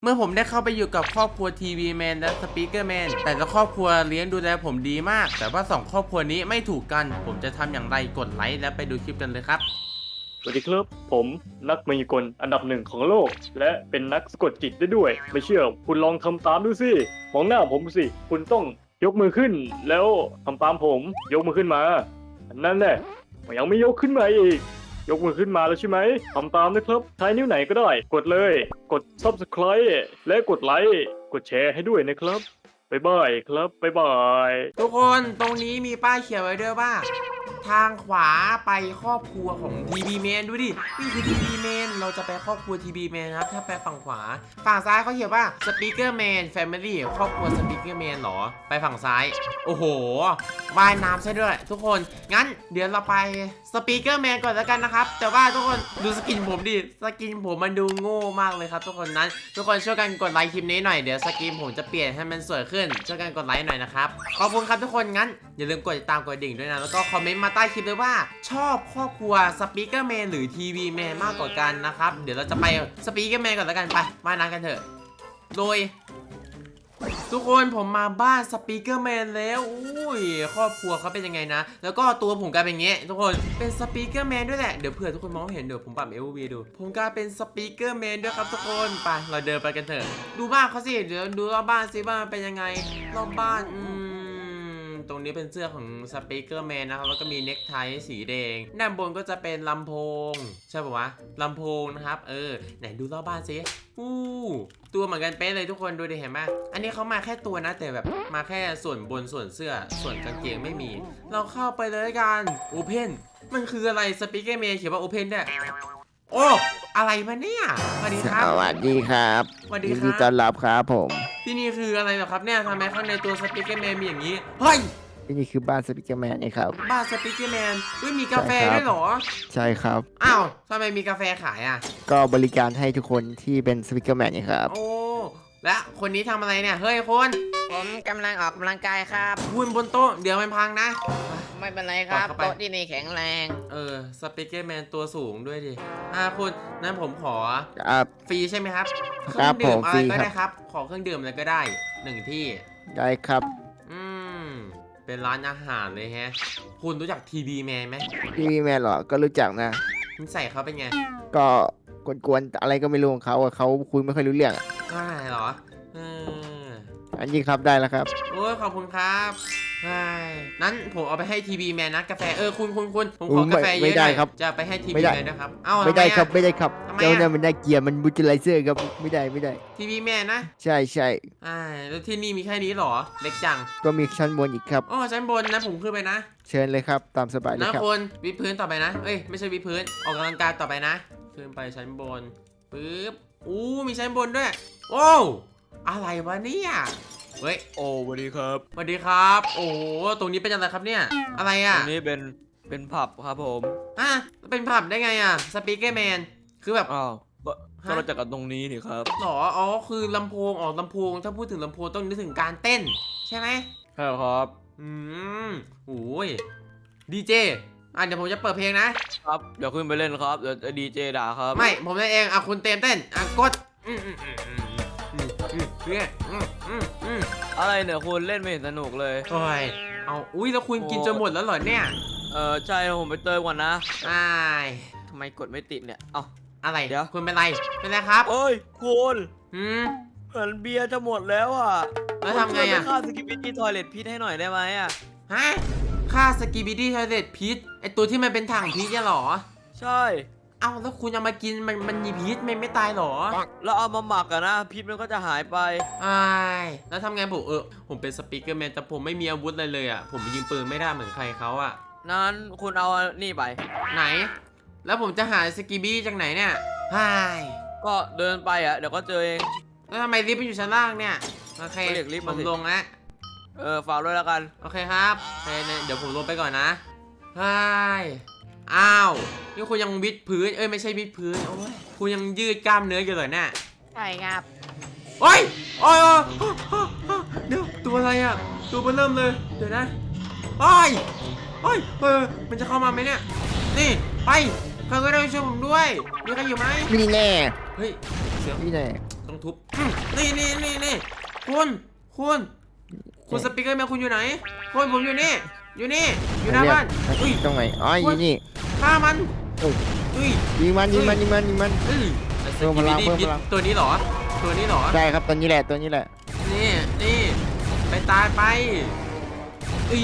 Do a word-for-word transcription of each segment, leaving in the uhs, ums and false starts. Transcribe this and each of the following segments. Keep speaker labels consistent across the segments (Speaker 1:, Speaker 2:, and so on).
Speaker 1: เมื่อผมได้เข้าไปอยู่กับครอบครัวทีวีแมนและสปีกเกอร์แมนแต่ละครอบครัวเลี้ยงดูแลผมดีมากแต่ว่าสองครอบครัวนี้ไม่ถูกกันผมจะทำอย่างไรกดไลค์และไปดูคลิปกันเลยครับ
Speaker 2: สวัสดีครับผมนักมายากลอันดับหนึ่งของโลกและเป็นนักสะกดจิตได้ด้วยไม่เชื่อคุณลองทำตามดูสิมองหน้าผมสิคุณต้องยกมือขึ้นแล้วทำตามผมยกมือขึ้นมานั่นแหละยังไม่ยกขึ้นมาอีกยกมือขึ้นมาแล้วใช่ไหมทำตามนะครับใช้นิ้วไหนก็ได้กดเลยกด ซับสไครบ์ และกดไลค์กดแชร์ให้ด้วยนะครับบ๊ายบายครับบ๊ายบาย
Speaker 1: ทุกคนตรงนี้มีป้ายเขียนไว้ด้วยว่าทางขวาไปครอบครัวของทีวีแมนดูดินี่คือทีวีแมนเราจะไปครอบครัวทีวีแมนครับถ้าไปฝั่งขวาฝั่งซ้ายเขาเขียนว่าสปีกเกอร์แมนแฟมิลี่ครอบครัวสปีกเกอร์แมนหรอไปฝั่งซ้ายโอ้โหว่ายน้ำใช่ด้วยทุกคนงั้นเดี๋ยวเราไปสปีกเกอร์แมนก่อนแล้วกันนะครับแต่ว่าทุกคนดูสกินผมดิสกินผมมันดูโง่มากเลยครับทุกคนนั้นทุกคนช่วยกันกดไลค์คลิปนี้หน่อยเดี๋ยวสกินผมจะเปลี่ยนให้มันสวยขึ้นช่วยกันกดไลค์หน่อยนะครับขอบคุณครับทุกคนงั้นอย่าลืมกดติดตามกดดิ่งด้วยนะแล้วก็คอมเมนต์มาใต้คลิปเลยว่าชอบครอบครัวสปีกเกอร์แมนหรือทีวีแมนมากกว่ากันนะครับเดี๋ยวเราจะไปสปีกเกอร์แมนก่อนแล้วกันไปมาน้ำกันเถอะโดยทุกคนผมมาบ้านสปีกเกอร์แมนแล้วอุ้ยครอบครัวเขาเป็นยังไงนะแล้วก็ตัวผมกลายเป็นอย่างเงี้ยทุกคนเป็นสปีกเกอร์แมนด้วยแหละเดี๋ยวเผื่อทุกคนมองเห็นเดี๋ยวผมปรับ เอ โอ วี ดูผมกลายเป็นสปีกเกอร์แมนด้วยครับทุกคนไปเราเดินไปกันเถอะดูบ้านเขาสิเดี๋ยวดูรอบบ้านสิบ้านเป็นยังไงรอบบ้านอืมตรงนี้เป็นเสื้อของสปีกเกอร์แมนนะครับแล้วก็มีเน็กไทสีแดงด้านบนก็จะเป็นลำโพงใช่ป่าววะลำโพงนะครับเออไหนดูรอบบ้านสิอู้ตัวเหมือนกันเป๊ะเลยทุกคนดูดิเห็นไหมอันนี้เขามาแค่ตัวนะแต่แบบมาแค่ส่วนบนส่วนเสื้อส่วนกางเกงไม่มีเราเข้าไปเลยกันโอเพนมันคืออะไรสปีกเกอร์แมนเขียนว่าโอเพนด้วยโอ้อะไรมาเนี่ยสวัสดีครับ
Speaker 3: สวัสดีครับ
Speaker 1: สวัสดี
Speaker 3: ยิน
Speaker 1: ค
Speaker 3: ดี
Speaker 1: รับ
Speaker 3: ต้อนรับครับผม
Speaker 1: ที่นี่คืออะไรเหรอครับเนี่ยทำไมข้างในตัวสปีกเกอร์แมนมีอย่างนี้เฮ้ย
Speaker 3: ที่นี่คือบ้านสปิเกอร์แมนนี่ครับ
Speaker 1: บ้านสปีกเกอร์แมนเฮ้ยมีกาแฟ
Speaker 3: ใช่ครับ
Speaker 1: ด้วยเหรอ
Speaker 3: ใช่ครับ
Speaker 1: อ้าวทำไมมีกาแฟขายอ่ะ
Speaker 3: ก็บริการให้ทุกคนที่เป็นสปิเกอร์แมนนี่ครับ
Speaker 1: โอ้และคนนี้ทำอะไรเนี่ยเฮ้ยคุณ
Speaker 4: ผมกำลังออกกำลังกายครับ
Speaker 1: คุณบนโต๊ะเดี๋ยวมันพังนะ
Speaker 4: ไม่เป็นไรครับ
Speaker 1: ปล่อยเข้าไป
Speaker 4: โต๊ะที่นี่แข็งแรง
Speaker 1: เออสปีกเกอร์แมนตัวสูงด้วยดิอ่าคุณนั้นผมขอ
Speaker 3: ครับ
Speaker 1: ฟรีใช่ไหมครับ
Speaker 3: ครับ
Speaker 1: เครื่องดื่ม
Speaker 3: ผม
Speaker 1: อะไร
Speaker 3: ฟรี
Speaker 1: ก็
Speaker 3: ครับ
Speaker 1: ได้ครับขอเครื่องดื่มอะไรก็ได้หนึ่งที่
Speaker 3: ได้ครับ
Speaker 1: อืมเป็นร้านอาหารเลยแฮะคุณรู้จักทีวีแมนไหม
Speaker 3: ทีวีแมนเหรอ ก็รู้จักนะ
Speaker 1: นิสัยเขาเป็นไง
Speaker 3: ก็กวนๆอะไรก็ไม่รู้ของเขาอะเขาคุยไม่ค่อยรู้เรื่องอะ
Speaker 1: ได้เหรอเออ
Speaker 3: อันนี้ครับได้แล้วครับ
Speaker 1: โอ้ยขอบคุณครับใช่นั้นผมเอาไปให้ทีวีแมนนะกาแฟเออคุณคุณคุณผมขอกาแฟเย
Speaker 3: ไม่
Speaker 1: อะห
Speaker 3: ได้
Speaker 1: น่อย
Speaker 3: ครับ
Speaker 1: จะไปให้ที
Speaker 3: ไม่
Speaker 1: วี
Speaker 3: ได้
Speaker 1: แมนนะครับเอ้า
Speaker 3: ไม่ได้
Speaker 1: ทำอะ
Speaker 3: ครับไม่ได้ครับ
Speaker 1: ทำไมอะ
Speaker 3: เจ้าเนี่ยมันน่าเกลียดมันบูจิไลเซอร์ครับไม่ได้ไม่ได้
Speaker 1: ทีวีแมนนะ
Speaker 3: ใช่ใช่
Speaker 1: อ่าแล้วที่นี่มีแค่นี้เหรอเล็กจัง
Speaker 3: ก็มีชั้นบนอีกครับ
Speaker 1: อ๋อชั้นบนนะผมขึ้นไปนะ
Speaker 3: เชิญเลยครับตามสบายเลย
Speaker 1: นะครับ คนวิดพื้นต่อไปนะเอ้ยไม่ใช่วิดพื้นออกกำลังกายต่อไปนะขึ้นไปชั้นบนปึ๊บอู้มีชั้นบนด้วยโอ้อะไรวะเนี่ยเฮ้ย
Speaker 5: โอ้สวัสดีครับ
Speaker 1: สวัสดีครับ โอ้โหตรงนี้เป็นอะไรครับเนี่ยอะไร
Speaker 5: ต
Speaker 1: อ่ะ
Speaker 5: รงนี้เป็นเป็นผับครับผม
Speaker 1: อ่ะเป็นผับได้ไงอ่ะสปีกเกอร์แมนคือแบบ
Speaker 5: อ้าวก็
Speaker 1: ฮะ
Speaker 5: ก็มาจากกันตรงนี้นี่ครับ
Speaker 1: หรออ๋อคือลำโพงออกลำโพงถ้าพูดถึงลำโพงต้องนึกถึงการเต้น ใช่ไหม
Speaker 5: ใช่ครับ
Speaker 1: อืมโอ้ยดีเจอ่ะเดี๋ยวผมจะเปิดเพลงนะครับ
Speaker 5: เดี๋ยวขึ้นไปเล่นครับเดี๋ยวดีเจด่าครับ
Speaker 1: ไม่ผมเล่นเองอ่ะคุณเต็มเต้นอ่ะกดอืมอืมอืมอืมอืมอืมเนี่ยอืมอืมอืม
Speaker 5: อะไรเนี่ยคุณเล่นไม่เห็นสนุกเลย
Speaker 1: โอ้ยเอาอุ้ยแล้วคุณกินจนหมดแล้วเหรอเนี่ย
Speaker 5: เออใช่ผมไปเติมก่อนนะ
Speaker 1: อ้าย
Speaker 5: ทำไมกดไม่ติดเนี่ยเอ้า
Speaker 1: อะไร
Speaker 5: เดี๋ยว
Speaker 1: คุณเป็นไรเป็นไรครับ
Speaker 5: เอ้ยคุณ
Speaker 1: อืม
Speaker 5: เหมือนเบียร์จะหมดแล้วอ่ะ
Speaker 1: แล้วทำไง
Speaker 5: คุณช่วย
Speaker 1: อ่ะ
Speaker 5: ปค่าสกิปปี้ทอยเลทพิษให้หน่อยได้ไหมอ่ะ
Speaker 1: ฮะค่าสกีบิดี้ทอยเลตพิษไอตัวที่มันเป็นถังพิษเนี่ยเหรอ
Speaker 5: ใช่
Speaker 1: เอ้าแล้วคุณเอามากินมันมันมีพิษมันไม่ตายเหรอ
Speaker 5: แล้วเอามาหมักอะนะพิษมันก็จะหายไป
Speaker 1: อ้ายแล้วทำไงผมเออผมเป็นสปีกเกอร์แมนแต่ผมไม่มีอาวุธอะไรเลยอ่ะผมยิงปืนไม่ได้เหมือนใครเขาอ่ะ
Speaker 5: นั้นคุณเอานี่ไป
Speaker 1: ไหน แล้วผมจะหาสกีบี้จากไหนเนี่ยอ้าย
Speaker 5: ก็เดินไปอ่ะเดี๋ยวก็เจอเอง
Speaker 1: แล้วทำไมลิฟต์มันอยู่ชั้นล่างเนี่ยโอเค
Speaker 5: ก็เรียกลิฟต์
Speaker 1: ผ
Speaker 5: มาสิ
Speaker 1: มลงแล้ว
Speaker 5: เออฝากด้วยแล้วกัน
Speaker 1: โอเคครับโอเคเนี่ยเดี๋ยวผมลงไปก่อนนะอ้ายอ้าวนี่คุณยังวิดพื้นเอ้ยไม่ใช่วิดพื้นโอ้ยคุณยังยืดกล้ามเนื้ออยู่เลยเนี่ย
Speaker 4: ใช่ครับ
Speaker 1: โอ้ยโอ้ยโอ้ยเดี๋ยวตัวอะไรอ่ะ ตัวมันเริ่มเลย เดี๋ยวนะโอ้ยโอ้ยเออมันจะเข้ามาไหมเนี่ย นี่ ไปใครก็ได้ช่วยผมด้วย มีใครอยู่ไหม
Speaker 3: นี่แน่
Speaker 1: เฮ้ย เสียง
Speaker 3: นี่แน่
Speaker 1: ตรงทุบอืมนี่นี่นี่นี่คุณคุณคุณสปีกเกอร์แมนคุณอยู่ไหนคุณผมอยู่นี่อยู่นี่อยู่หน้าบ้านอุ้ย
Speaker 3: ตรงไหนอ๋ออยู่นี่
Speaker 1: ฆ่ามัน
Speaker 3: โอ้ย
Speaker 1: อุ้ย
Speaker 3: ยิงมันยิงมันยิงมันยิงมัน
Speaker 1: เอ้ยไอ้ส
Speaker 3: เพิ่มพ
Speaker 1: กิ
Speaker 3: ลั
Speaker 1: บิ
Speaker 3: ง
Speaker 1: ดี้
Speaker 3: เพิ่ม
Speaker 1: พิษ
Speaker 3: พลัง
Speaker 1: ตัวนี้เหรอ ตัวนี้เหรอ
Speaker 3: ใช่ครับตัวนี้แหละตัวนี้แหละ
Speaker 1: นี่นี่ไปตายไปอี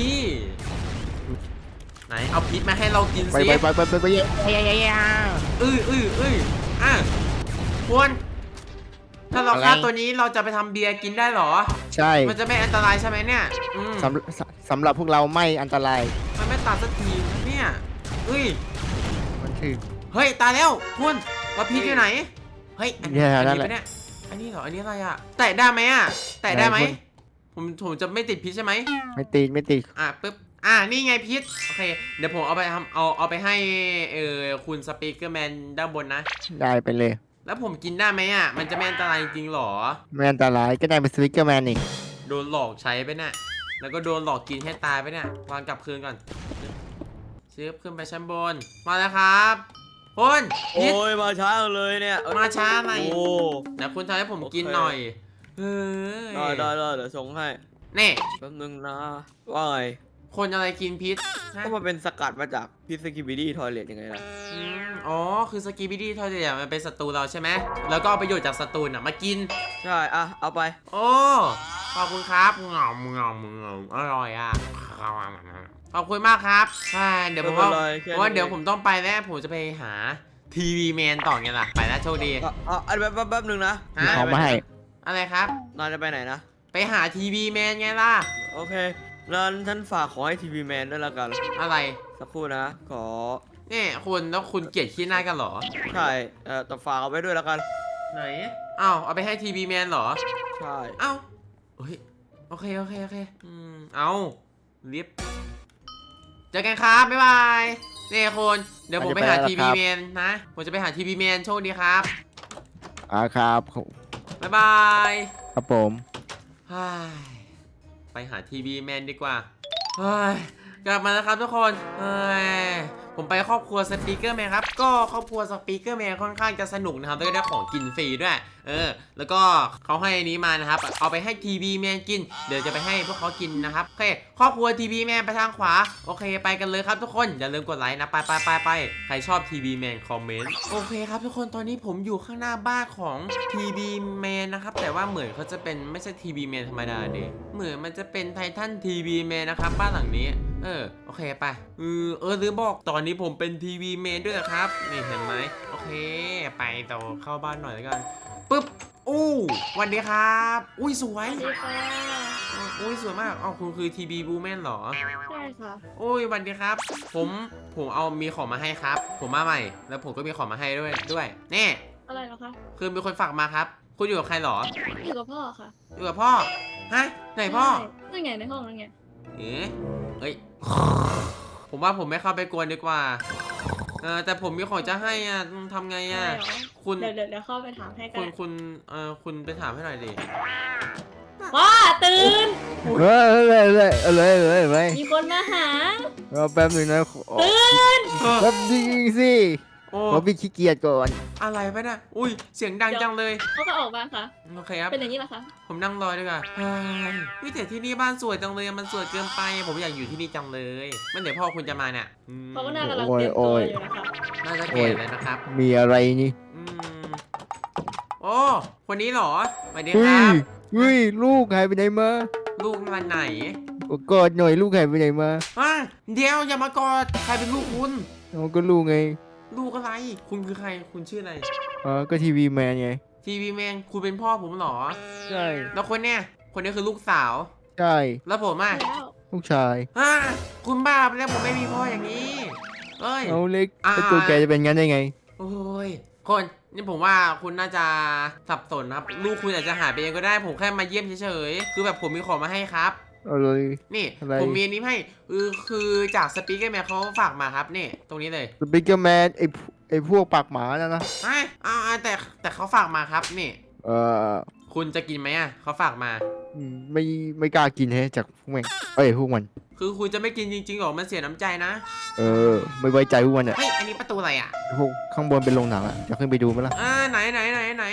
Speaker 1: ไหนเอาพิษมาให้เรากิน
Speaker 3: ไป
Speaker 1: สิ
Speaker 3: ไปไปไปไปไปเย้เย้เย้เย้
Speaker 1: อื้ออื้ออื้ออ่ะควรถ้าเรา
Speaker 3: อะไร
Speaker 1: ฆ่าตัวนี้เราจะไปทำเบียร์กินได้เหรอ
Speaker 3: ใช่
Speaker 1: มันจะไม่อันตรายใช่ไหมเนี่ยอืม
Speaker 3: สำสำสำหรับพวกเราไม่อันตราย
Speaker 1: มันไม่ตัดสักทีนะเนี่ยอุ้ย
Speaker 3: มันคือ
Speaker 1: เฮ้ยตายแล้วคุณว่าพิษอยู่ไหนเฮ้ยอัน
Speaker 3: เนี่
Speaker 1: นี้
Speaker 3: ย
Speaker 1: อัน
Speaker 3: นั่
Speaker 1: นี้
Speaker 3: นแหละ
Speaker 1: ปะเนี่ยอันนี้เหรออันนี้อะไรอ่ะแตะได้ไหมอ่ะแตะได้ไหม
Speaker 3: ได้คุณ
Speaker 1: ผมผมจะไม่ติดพิษใช่ไหม
Speaker 3: ไม่ตีไม่ตี
Speaker 1: อ่ะปึ๊บอ่ะนี่ไงพิษโอเคเดี๋ยวผมเอาไปทำเอาเอาไปให้เออคุณสปีกเกอร์แมนด้านบนนะ
Speaker 3: ได้ไปเลย
Speaker 1: แล้วผมกินได้ไหมอ่ะมันจะไม่อันตรายจริงๆหรอ
Speaker 3: ไม่อันตรายก็ได้เป็นสวิกเกอร์แมนอีก
Speaker 1: โดนหลอกใช้ไปเนี่ยแล้วก็โดนหลอกกินให้ตายไปเนี่ยวางกลับคืนก่อนชืบขึ้นไปชั้นบนมาแล้วครับคุณพิษ
Speaker 5: โอ้ยมาช้าเลยเนี่ยเอ้ย
Speaker 1: มาช้าหน่อย
Speaker 5: โอ้
Speaker 1: เดี๋ยวคุณทำให้ผมกิน
Speaker 5: โอเค
Speaker 1: หน่อยเฮ้ย
Speaker 5: ได้ได้ได้เดี๋ยวส่งให้
Speaker 1: นี่
Speaker 5: แป๊บนึงนะว่าไง
Speaker 1: คนอะไรกินพิษฮะ
Speaker 5: ก็มาเป็นสกัดมาจากพิซซิบิดี้ทอยเลทยังไงล่ะ
Speaker 1: อืมอ๋อคือสกีบิดี้ทอยเดียมันเป็นศัตรูเราใช่ไหมแล้วก็เอาประโยชน์จากศัตรูน่ะมากิน
Speaker 5: ใช่อ่ะเอาไป
Speaker 1: โอ้ขอบคุณครับงอมงอมงอมอร่อยอ่ะขอบคุณมากครับอ่าเดี๋ยวผมว่า
Speaker 5: ไม่เป็นไรแค่นี้
Speaker 1: เพราะว่าเดี๋ยวผมต้องไปแล้วผมจะไปหาทีวีแมนต่อไงล่ะไปแล้วโชคดี
Speaker 5: อ่ะอ่ะอันแป๊บแป๊บแป๊บนึงนะ
Speaker 1: ฮะ
Speaker 3: เอามาให้
Speaker 1: อะไรครับ
Speaker 5: นายจะไปไหนนะ
Speaker 1: ไปหาทีวีแมนไงล่ะ
Speaker 5: โอเคงั้นฉันฝากขอให้ทีวีแมนด้วยละกัน
Speaker 1: อะไร
Speaker 5: สักครู่นะ ขอ
Speaker 1: นี่คุณแล้วคุณเกลียดขี้หน้ากันเหรอ
Speaker 5: ใช่เอ่อแต่ฝากเอาไว้ด้วยละกัน
Speaker 1: ไหนอ้าวเอาไปให้ทีวีแมนเหรอ
Speaker 5: ใช่
Speaker 1: เอ้าเฮ้ยโอเคโอเคโอเคอืมเอาลิฟต์เจอกันครับบ๊ายบายนี่คุณเดี๋ยวผมไปหาทีวีแมนนะผมจะไปหาทีวีแมนโชคดีครับ
Speaker 3: อ่าครับ
Speaker 1: บ๊ายบาย
Speaker 3: ครับผม
Speaker 1: เฮ้ยไปหาทีวีแมนดีกว่าเฮ้ยกลับมาแล้วครับทุกคนเฮ้ยผมไปครอบครัวสปีกเกอร์แมนครับก็ครอบครัวสปีกเกอร์แมนค่อนข้างจะสนุกนะครับแล้วก็ได้ของกินฟรีด้วยเออแล้วก็เขาให้อันนี้มานะครับเอาไปให้ทีวีแมนกินเดี๋ยวจะไปให้พวกเขากินนะครับโอเคครอบครัวทีวีแมนไปทางขวาโอเคไปกันเลยครับทุกคนอย่าลืมกดไลค์นะไปไปไปไปใครชอบทีวีแมนคอมเมนต์โอเคครับทุกคนตอนนี้ผมอยู่ข้างหน้าบ้านของทีวีแมนนะครับแต่ว่าเหมือนเขาจะเป็นไม่ใช่ทีวีแมนธรรมดาเดเหมือนมันจะเป็นไททันทีวีแมนนะครับบ้านหลังนี้เออโอเคไปเออเออลืมบอกตอนนี้ผมเป็นทีวีแมนด้วยนะครับนี่เห็นไหมโอเคไปต่อเข้าบ้านหน่อยแล้วกันปึ๊บอู้สวันดีครับอุ้ยสวย
Speaker 6: สวัสดีค่ะ
Speaker 1: อุ้ยสวยมากอ๋อคุณคือทีบีบูแมนเหรอ
Speaker 6: ใช่ค่ะ
Speaker 1: อุ้ยสวันดีครับ ผมผมเอามีของมาให้ครับ ผมมาใหม่ แล้วผมก็มีของมาให้ด้วยด้วยนี่
Speaker 6: อะไรเหรอคะ
Speaker 1: คือมีคนฝากมาครับ คุณอยู่กับใครเหรอ
Speaker 6: อยู่กับพ่อค่ะ
Speaker 1: อยู่กับพ่อฮะไหนพ่อ
Speaker 6: ใช่นั่นไงในห้องนั่นไง
Speaker 1: เอ๊ะเอ้ยผมว่าผมไม่เข้าไปกวนดีกว่าเออแต่ผมมีของจะให้อ่ะทำไงอ่ะ
Speaker 6: อะไรเหรอ
Speaker 1: คุณ
Speaker 6: เดี๋ยวเดี๋ยวเดี๋ยวเข้าไปถามให้กั
Speaker 1: คุ
Speaker 6: น
Speaker 1: ณคุณเออคุณไปถามให้หน่อยดิ
Speaker 6: พ่อตื่น
Speaker 3: เฮ้ยเลยเลยเลยเลยเลย
Speaker 6: มีคนมาหา
Speaker 3: รอแป๊บหนึงนะ
Speaker 6: ตื่น
Speaker 3: แป๊บนึงสิ
Speaker 1: โอ้
Speaker 3: ผมพี่ขี้เกียจก่อน
Speaker 1: อะไรไปน่ะอุ้ยเสียงดังจังเลย
Speaker 6: เขาก็ออกมาค่ะ
Speaker 1: โอเคครับ
Speaker 6: เป็นอย่างนี้เหรอคะ
Speaker 1: ผมนั่งรอดีกว่าเฮ้ยวิแต่ที่นี่บ้านสวยจังเลย มันสวยเกินไป ผมอยากอยู่ที่นี่จังเลยมันเดี๋ยวพ่อคุณจะมาเนี่ยอืม
Speaker 6: เขาก็น่ากำลังเตรียมตัวอยู่นะคะ
Speaker 1: น่าจะเก่เลยนะครับ
Speaker 3: มีอะไรนี่
Speaker 1: อืมโอ้คนนี้เหรอสวัสดีค
Speaker 3: เฮ้
Speaker 1: รั
Speaker 3: ย
Speaker 1: บ
Speaker 3: เฮ้ยลูกหายไปไหนมา
Speaker 1: ลูกมันไหน
Speaker 3: กอดหน่อยลูกหายไปไหนมา
Speaker 1: อ่ะเดี๋ยวอย่ามากอด ใครเป็นลูกคุณ
Speaker 3: มันก็ลูกไง
Speaker 1: ลูกอะไร คุณคือใคร คุณชื่ออะไร
Speaker 3: อ๋อก็ทีวีแมนไง
Speaker 1: ทีวีแมน คุณเป็นพ่อผมเหรอ
Speaker 3: ใช่
Speaker 1: แล้วคนเนี้ย คนนี้คือลูกสาว
Speaker 3: ใช่
Speaker 1: แล้วผมอ่ะ
Speaker 6: แล้ว
Speaker 3: ลูกชาย
Speaker 1: อ่ะคุณบ้าไปแล้วผมไม่มีพ่ออย่างนี้เอ้ย
Speaker 3: เอาเล็ก
Speaker 1: อ่า
Speaker 3: แล้วตัวแกจะเป็นงั้นได้ไง
Speaker 1: โอ้ย คนนี่ผมว่าคุณน่าจะสับสนนะครับ ลูกคุณอาจจะหายไปเองก็ได้ ผมแค่มาเยี่ยมเฉยๆ คือแบบผมมีของมาให้ครับ
Speaker 3: เอาเลย
Speaker 1: นี่
Speaker 3: อะไร
Speaker 1: ผมมีอันนี้ให้คือคือจากสปีกเกอร์แมนเขาฝากมาครับนี่ ตรงนี้เลย
Speaker 3: สปิกเกอร์แมนไอพวไอพวกปากหมานะนะ
Speaker 1: อ่ะอ่าแต่แต่เขาฝากมาครับนี่
Speaker 3: เออ
Speaker 1: คุณจะกินไหมอ่ะเขาฝากมา
Speaker 3: อืมไม่ไม่กล้ากินแฮะจากพวกแม่งเอ้ยพวกมัน
Speaker 1: คือคุณจะไม่กินจริงๆหรอ มันเสียน้ำใจนะ
Speaker 3: เออ ไม่ไว้ใจพวกมันอ่ะ
Speaker 1: เฮ้ย อันนี้ประตูอะไรอ่ะ
Speaker 3: พวกข้างบนเป็นโรงหนังอ่ะจะขึ้นไปดูไหมล่ะ
Speaker 1: อ่าไหนไหนไหนไหน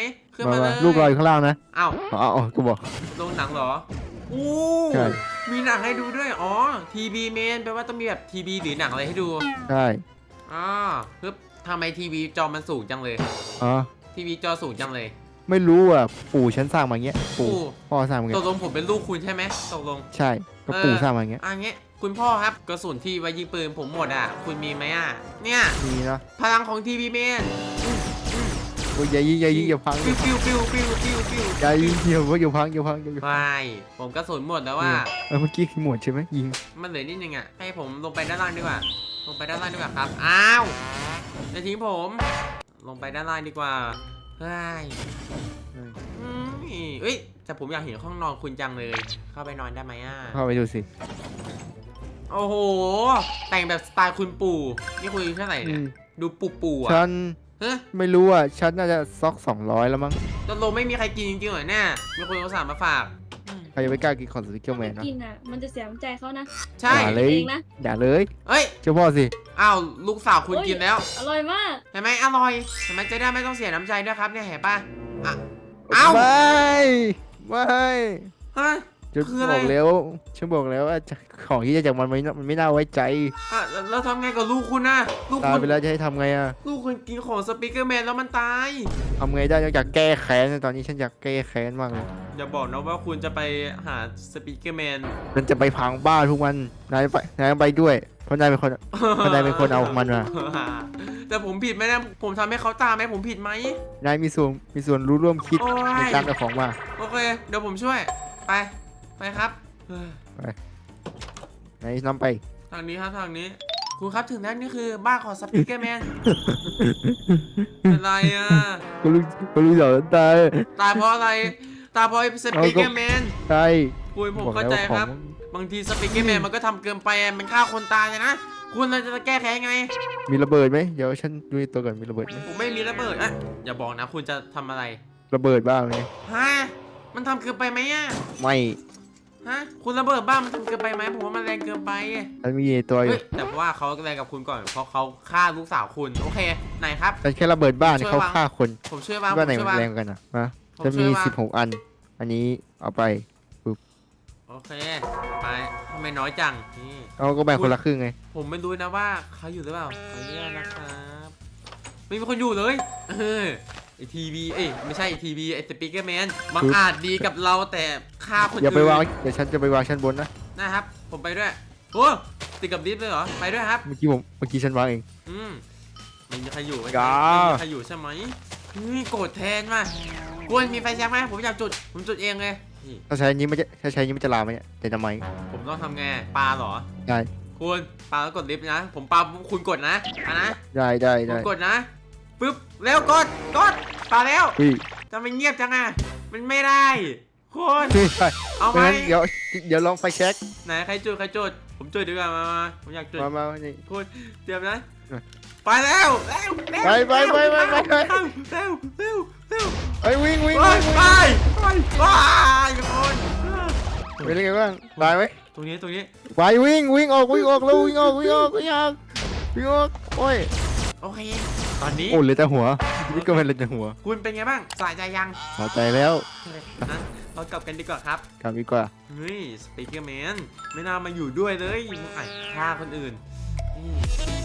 Speaker 1: ขึ้น
Speaker 3: มา
Speaker 1: มาเล
Speaker 3: มาย ลูกรออยู่ข้างล่างนะ
Speaker 1: อ้าว
Speaker 3: อ๋ออ๋อกูบอก
Speaker 1: ลงหนังเหรออู้
Speaker 3: ใช่
Speaker 1: มีหนังให้ดูด้วยอ๋อทีบีเมนแปลว่าต้องมีแบบทีบีหรือหนังอะไรให้ดู
Speaker 3: ใช่
Speaker 1: อ๋อปึ๊บทำไมทีวีจอมันสูงจังเลย
Speaker 3: อ๋อ
Speaker 1: ทีวีจอสูงจังเลย
Speaker 3: ไม่รู้อ่ะปู่ฉันสร้างมาอย่างเงี้ยปู่
Speaker 1: ปู่
Speaker 3: พ่อสร้างมาอย่าง
Speaker 1: ต
Speaker 3: เงี้
Speaker 1: ก
Speaker 3: ย
Speaker 1: ลงผมเป็นลูกคุณใช่ไหมตกลง
Speaker 3: ใช่ก็
Speaker 1: เออ
Speaker 3: ปู่สร้างมาอย่างเงี้ย
Speaker 1: อ่ะเงี้ยคุณพ่อครับกระสุนที่ไว้ยิงปืนผมหมดอ่ะ คุณมีไหมอ่ะ เนี่ย
Speaker 3: มีเนาะ
Speaker 1: พลังของทีวีเมน
Speaker 3: โอ้ยอย่ายิงอย่ายิงอย่าพัง
Speaker 1: ฟิวฟิวฟิวฟิวฟิวฟิว
Speaker 3: อย่ายิงอย่าอย่าพังอย่าพังอย่าพัง
Speaker 1: ไม่ผมกระสุนหมดแล้วว่า
Speaker 3: เออเมื่อกี้หมวดใช่ไหมยิง
Speaker 1: มันเหลือนิดนึงอ่ะ ให้ผมลงไปด้านล่างดีกว่า ลงไปด้านล่างดีกว่าครับ อ้าวอย่าทิ้งผม ลงไปด้านล่างดีกว่าเฮ้ยอืมเอ้ยแต่ผมอยากเห็นห้องนอนคุณจังเลย เข้าไปนอนได้ไหมอ่ะ
Speaker 3: เข้าไปดูสิ
Speaker 1: โอ้โห แต่งแบบสไตล์คุณปู่ นี่คุณอายุเท่าไหร่เนี่ย ดูปู่ปู่อ่ะ
Speaker 3: ฉัน
Speaker 1: เฮ้ย
Speaker 3: ไม่รู้อ่ะฉันน่าจะซ็อกสองร้อยแล้วมั้ง
Speaker 1: ตกลงไม่มีใครกินจริงๆเหรอเนี่ย มีคนเอาสารมาฝากอืม
Speaker 3: ใครจะไปกล้ากินของสติ๊กเกอร์แมนนะ
Speaker 6: กินอ่ะ มันจะเสียน้ำใจเขานะ
Speaker 1: ใช่
Speaker 3: อย่าเลย
Speaker 6: เองนะ
Speaker 3: อย่าเลย
Speaker 1: เอ้ย
Speaker 3: เจ้าพ่อสิ
Speaker 1: อ้าวลูกสาวคุณ
Speaker 6: โอ้ย
Speaker 1: กินแล้ว
Speaker 6: อร่อยมาก
Speaker 1: เห็นไหมอร่อยเห็นไหมจะได้ไม่ต้องเสียน้ำใจด้วยครับเนี่ยเห็นป่ะอ่ะเอ้า
Speaker 3: ไม่ไม่
Speaker 1: ฮะ
Speaker 3: ฉัน
Speaker 1: คืออะไร
Speaker 3: บอกแล้วฉันบอกแล้วว่าของที่จะจากมันไม่น่ามันไม่น่าไว้ใจ
Speaker 1: อ่ะแล้วแล้วทำไงกับลูกคุณนะลูก
Speaker 3: ตาย
Speaker 1: คุณ
Speaker 3: ไปแล้วจะให้ทำไงอ่ะ
Speaker 1: ลูกคุณกินของสปีกเกอร์แมนแล้วมันตาย
Speaker 3: ทำไงได้นอกจากแก้แค้นตอนนี้ฉันอยากแก้แค้นมากเลย
Speaker 1: อย่าบอกนะว่าคุณจะไปหาสปีกเกอร์แมน
Speaker 3: มันจะไปพังบ้านทุกวันนายไปนายไปด้วยเพราะนายเป็นคน เพราะนายเป็นคนเอามันมา
Speaker 1: แต่ผมผิดไหมนะผมทำให้เขาตายไหมผมผิดไหม
Speaker 3: นายมีส่วนมีส่วนรู้ร่วมคิด
Speaker 1: โอ้ย
Speaker 3: ในการเอาของมา
Speaker 1: โอเค เดี๋ยวผมช่วย ไป ไปครับเฮ้ย
Speaker 3: นายนำไป
Speaker 1: ทางนี้ครับทางนี้ คุณครับถึงนั้นนี่คือบ้านของสปีกเกอร์แมน เป็นไรอ่ะ
Speaker 3: ก็รู้ก็รู้อย่างนั้นตาย
Speaker 1: ตายเพราะอะไร ตายเพราะไอ้สปีกเกอร์แมน
Speaker 3: ใช่
Speaker 1: คุณผม
Speaker 3: บอก
Speaker 1: เข้า
Speaker 3: แล้ว
Speaker 1: ใจ
Speaker 3: ข
Speaker 1: ค
Speaker 3: อ
Speaker 1: รั
Speaker 3: ง
Speaker 1: บ บางทีสปีกเกอร์แมนมันก็ทำเกินไปอะมันฆ่าคนตายเลยนะ คุณเราจะแก้แค้นไง
Speaker 3: มีระเบิดไหมเดี๋ยวฉันดูในตัวก่อนมีระเบิดไหม
Speaker 1: ผมไม่มีระเบิดอ่ะอย่าบอกนะคุณจะทำอะไร
Speaker 3: ระเบิดบ้างไหม
Speaker 1: ฮะ มันทำเกินไปไหมอ่ะ
Speaker 3: ไม่
Speaker 1: ฮะ คุณระเบิดบ้านมันทำเกินไปไหมผมว่ามันแรงเกินไป
Speaker 3: ฉันมีในตัวอ
Speaker 1: เฮ้
Speaker 3: ยู่
Speaker 1: ยแต่ว่าเขาแรงกับคุณก่อน เพราะเขาฆ่าลูกสาวคุณ โอเค ไหนครับ
Speaker 3: ฉันแค่ระเบิดบ้าน
Speaker 1: ช่วย
Speaker 3: เขา
Speaker 1: วาง
Speaker 3: ฆ่าคน
Speaker 1: ผมช่วยบ้าง
Speaker 3: คิดว่าไหน
Speaker 1: ผมช่วย
Speaker 3: มัน
Speaker 1: บ้าง
Speaker 3: แรงกันอ่ะนะ
Speaker 1: ผม
Speaker 3: จะ
Speaker 1: ช่
Speaker 3: มี
Speaker 1: วยว่า
Speaker 3: สิบหกอัน อันนี้เอาไป
Speaker 1: โอเค ไปทำไมน้อยจัง นี่
Speaker 3: เอาก็แบ่งคนละครึ่งไง
Speaker 1: ผมไม่รู้นะว่าเขาอยู่หรือเปล่าขออนุญาตนะครับ ไม่มีคนอยู่เลยเออไอทีวีเอ้ยไม่ใช่ไอทีวีไอสปีกเกอร์แมนบังอาจดีกับเราแต่ฆ่าคน
Speaker 3: อย่า
Speaker 1: อื่น
Speaker 3: ไปวางเดี๋ยวฉันจะไปวางชั้นบนนะ
Speaker 1: นะครับ ผมไปด้วย โอ้ติดกับลิฟต์เลยเหรอ ไปด้วยครับ
Speaker 3: เมื่อกี้ผมเมื่อกี้ฉันวางเอง
Speaker 1: อืมไม่มีใครอยู่ไหม
Speaker 3: อย่า
Speaker 1: ไม่มีใครอยู่ใช่ไหมเฮ้ยโกรธแทนมาควรมีไฟแช็กไหมผมอยากจุด ผมจุดเองเลยนี่
Speaker 3: ถ้าใช้อันนี้มันจะถ้าใช้อันนี้มันจะลามไหมเนี่ยแต่ทำไม
Speaker 1: ผมต้องทำไงปลาเหรอ
Speaker 3: ได้
Speaker 1: คุณปลาแล้วกดลิฟต์นะ ผมปลาคุณกดนะอ่ะนะ
Speaker 3: ได้ได้
Speaker 1: ผ
Speaker 3: ได้
Speaker 1: มกดนะปึ๊บเร็วกดกดปลาแล้ว
Speaker 3: พี่
Speaker 1: จะไม่เงียบจังอ่ะมันไม่ได้คุณ
Speaker 3: พี่ใช่
Speaker 1: เอาไหม
Speaker 3: ไม่งั้นเดี๋ยวเดี๋ยวลองไฟแช็ก
Speaker 1: ไหนใครจุดใครจุดผมจุดดีกว่ามามาผมอยากจุด
Speaker 3: มามามานี่
Speaker 1: คุณเตรียมนะ
Speaker 3: เออ
Speaker 1: ไปแล้วเร็วเร็ว
Speaker 3: ไปไปไปไปไปไป
Speaker 1: เร็วเร็วเร็วเร็ว
Speaker 3: ไปวิ่งวิ่ง
Speaker 1: ไป
Speaker 3: วิ่ง
Speaker 1: ไป
Speaker 3: วิ่ง
Speaker 1: ไปไปทุกคน
Speaker 3: เป็นยังไงบ้างตายไหม
Speaker 1: ตรงนี้ตรงนี้
Speaker 3: ไปวิ่งวิ่งออกวิ่งออกแล้ววิ่งออกวิ่งออกวิ่งออกวิ่งออกโอ้ย
Speaker 1: โอเค ตอนนี้
Speaker 3: โอ้เหลยแต่หัวนี่ก็เป็นเหลยแต่หัว
Speaker 1: คุณเป็นไงบ้างสายใจยัง
Speaker 3: พอใจแล้ว
Speaker 1: นั้นเรากลับกันดีกว่าครับ
Speaker 3: กลับดีกว่า
Speaker 1: เฮ้ยสปีกเกอร์แมนไม่น่ามาอยู่ด้วยเลยมึงไอ้ฆ่าคนอื่นนี่